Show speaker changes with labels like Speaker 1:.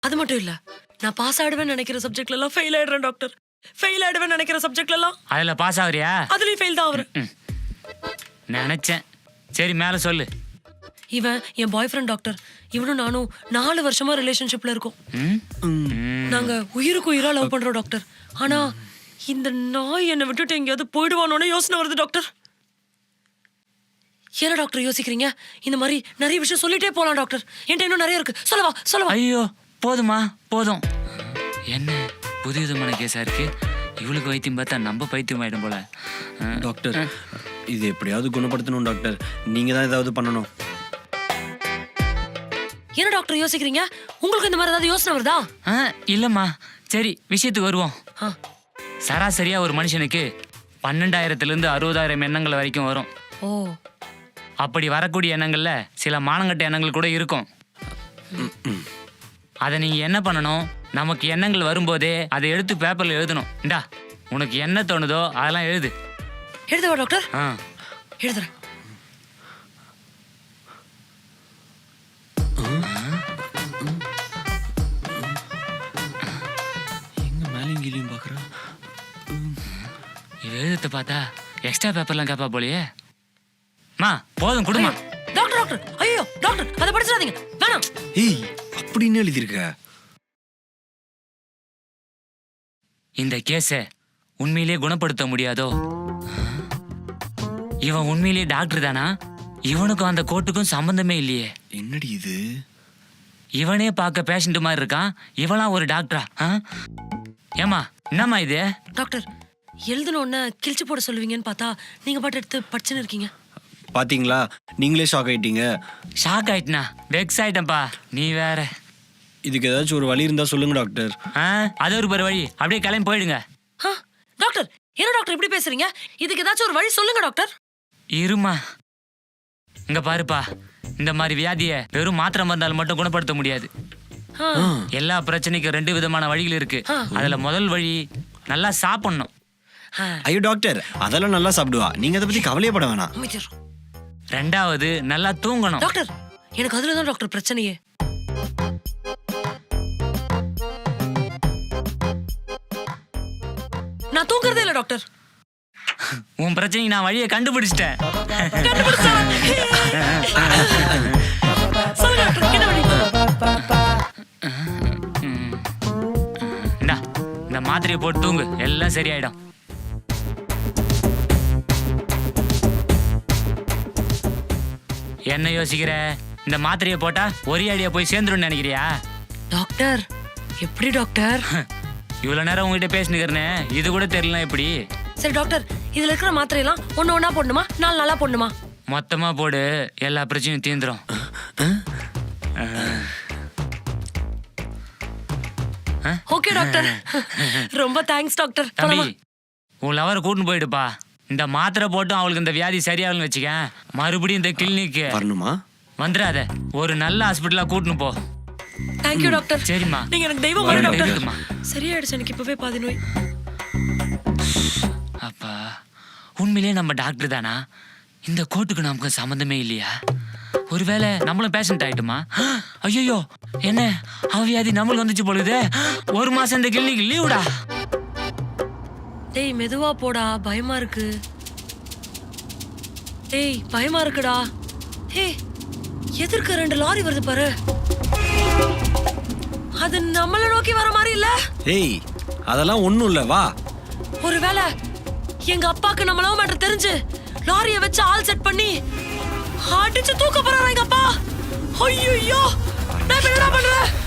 Speaker 1: அது மட்டும் இல்ல, நான் பாஸ் ஆடுவேன்னு நினைக்கிற சப்ஜெக்ட்ல எல்லாம் ஃபெயில் ஆயிடுறேன் டாக்டர். ஃபெயில் ஆயிடுவேன்னு நினைக்கிற சப்ஜெக்ட்ல எல்லாம்
Speaker 2: அதுல பாஸ் ஆகுறியா?
Speaker 1: அதுலயும் ஃபெயில் தான் ஆகுறேன்.
Speaker 2: நினைச்சேன். சரி மேல சொல்லு.
Speaker 1: இவன் என் பாய் ஃப்ரெண்ட் டாக்டர். இவனும் நானும் 4 வருஷமா ரிலேஷன்ஷிப்ல இருக்கோம். நாங்க உயிருக்கு உயிரா லவ் பண்றோம் டாக்டர். ஆனா இந்த நாய் என்னை விட்டுட்டு எங்கேயாவது போயிடுவானோன்னு யோசனை வருது டாக்டர். என்ன டாக்டர் யோசிக்கிறீங்க? இந்த மாதிரி நிறைய விஷயம் சொல்லிட்டே போலாம் டாக்டர். என்கிட்ட இன்னும் நிறைய இருக்கு. சொல்லவா?
Speaker 2: ஐயோ போதுமா போதும். என்ன புது விதமான கேஸா இருக்கு. இவளுக்கு வைத்தியம் பார்த்தா நம்ம பைத்தியம் ஆயிடும் போல.
Speaker 3: டாக்டர் இது எப்படியாவது குணப்படுத்தணும் டாக்டர். நீங்க தான் ஏதாவது பண்ணணும்.
Speaker 1: என்ன டாக்டர் யோசிக்கிறீங்க? உங்களுக்கு இந்த மாதிரி ஏதாவது யோசனை வருதா?
Speaker 2: இல்லம்மா. சரி விஷயத்துக்கு வருவோம். சராசரியா ஒரு மனுஷனுக்கு 12,000 to 60,000 எண்ணங்கள் வரைக்கும் வரும்.
Speaker 1: ஓ,
Speaker 2: அப்படி வரக்கூடிய எண்ணங்கள்ல சில மானங்கட்ட எண்ணங்கள் கூட இருக்கும். அதை நீங்க என்ன பண்ணணும்? நமக்கு எண்ணங்கள் வரும்போதே அதை எடுத்து பேப்பர்ல எழுதணும். இந்தா உனக்கு என்ன தோணுதோ அதெல்லாம் எழுது.
Speaker 1: எழுதவா டாக்டர்? எழுதுறேன்.
Speaker 3: எங்க மேலையும் கீழையும் பாக்குறா.
Speaker 2: எழுதத்தை பார்த்தா எக்ஸ்ட்ரா பேப்பர்லாம் கேப்பா போலயே. மா போதும் குடுமா.
Speaker 1: டாக்டர் ஐயோ டாக்டர் அதை படிச்சிடாதீங்க, வேணாம்.
Speaker 3: ஏய் அப்படின்னு எழுதிருக்க.
Speaker 2: இந்த கேஸை உண்மையிலேயே குணப்படுத்த முடியாதோ? இவன் உண்மையிலேயே டாக்டர் தானா? இவனுக்கும் அந்த கோர்ட்டுக்கும் சம்பந்தமே இல்லையே.
Speaker 3: என்னடி இது?
Speaker 2: இவனே பார்க்க பேஷண்ட் மாதிரி இருக்கான். இவளாம் ஒரு டாக்டரா? ஏமா என்னம்மா இது?
Speaker 1: டாக்டர் எழுதணும்னு கிழிச்சு போட சொல்லுவீங்கன்னு பார்த்தா நீங்க பாட்டு எடுத்து படிச்சுன்னு இருக்கீங்க.
Speaker 3: பாத்தீங்களா, நீங்களே ஷாக் ஆயிட்டீங்க.
Speaker 2: ஷாக் ஆயிட்டனா? வெக்ஸ் ஆயிட்டப்பா. நீ வேற.
Speaker 3: இதுக்கு ஏதாச்சும் ஒரு வழி இருந்தா சொல்லுங்க டாக்டர்.
Speaker 2: அது ஒரு வழி. அப்படியே கிளம்பி போயிடுங்க.
Speaker 1: டாக்டர் என்ன டாக்டர் இப்படி பேசுறீங்க? இதுக்கு ஏதாச்சும் ஒரு வழி சொல்லுங்க டாக்டர்.
Speaker 2: இருமா. இங்க பாருப்பா, இந்த மாதிரி வியாதியை வெறும் மாத்திரை மருந்தால் மட்டும் குணப்படுத்த முடியாது. எல்லா பிரச்சனைக்கும் 2 விதமான வழிகள் இருக்கு. அதுல முதல் வழி நல்லா சாப்பிடணும்.
Speaker 3: ஐயோ டாக்டர் அதெல்லாம் நல்லா சாப்பிடுவா, நீங்க அதை பத்தி கவலையப்பட வேணாம்.
Speaker 2: 2வது நல்லா தூங்கணும்.
Speaker 1: டாக்டர் எனக்கு அதுலதான் டாக்டர் பிரச்சனையே. நான் தூங்குறதே இல்ல டாக்டர்.
Speaker 2: உன் பிரச்சனைக்கு நான் வழியை கண்டுபிடிச்சிட்டேன். இந்த மாத்திரையை போட்டு தூங்கு, எல்லாம் சரியாயிடும். என்ன யோசிக்கிற? இந்த மாத்திரையை போட்டா ஒரே அடியா போய் சேர்ந்துடும் நினைக்கிறியா?
Speaker 1: டாக்டர் எப்படி டாக்டர்?
Speaker 2: இவ்வளவு நேரம் உங்ககிட்ட பேசினுக்கிறேன்னு இது கூட தெரியல எப்படி?
Speaker 1: சரி டாக்டர், இதுல இருக்கிற மாத்திரை எல்லாம் ஒண்ணா போடணுமா 4 நாளா போடணுமா?
Speaker 2: மொத்தமா போடு, எல்லா பிரச்சனையும் தீந்துரும்.
Speaker 1: ஓகே டாக்டர், ரொம்ப தேங்க்ஸ் டாக்டர்.
Speaker 2: தம்பி உன் லவரை கூட்டின்னு போயிடுப்பா. இந்த மாத்திரை போட்டும் அவளுக்கு இந்த வியாதி சரியாகலன்னு வச்சுக்க, மறுபடியும் இந்த கிளினிக்கு
Speaker 3: வரணுமா?
Speaker 2: வந்துடாத, ஒரு நல்ல ஹாஸ்பிட்டலா கூட்டின்னு போ.
Speaker 1: Thank you doctor.
Speaker 2: சரிம்மா.
Speaker 1: நீங்க எனக்கு தெய்வம் மாதிரி டாக்டர். சரியாயிடுச்சு எனக்கு இப்பவே பாதி நோய்.
Speaker 2: அப்பா உண்மையிலேயே நம்ம டாக்டர் தானா? இந்த கோர்ட்டுக்கு நமக்கு சம்மந்தமே இல்லையா? ஒருவேளை நம்மளும் பேஷண்ட் ஆயிட்டுமா? ஐயோ என்ன அவ வியாதி நம்மளுக்கு வந்துச்சு போலுது. 1 மாசம் இந்த கிளினிக் லீவுடா.
Speaker 1: டேய் மெதுவா போடா, பயமா இருக்கு. டேய் பயமா இருக்குடா. ஹே எதிர்க்க 2 லாரி வருது பாரு. அது நம்மள நோக்கி வர மாதிரி இல்ல?
Speaker 3: ஏய் அதெல்லாம் ஒண்ணும் இல்ல, வா.
Speaker 1: ஒருவேளை எங்க அப்பாக்கு நம்ம லவ் மேட்டர் தெரிஞ்சு லாரிய வச்சு ஆள் செட் பண்ணி அடிச்சு தூக்க போறாரா எங்க அப்பா? ஐயோ நான் என்ன பண்றேன்?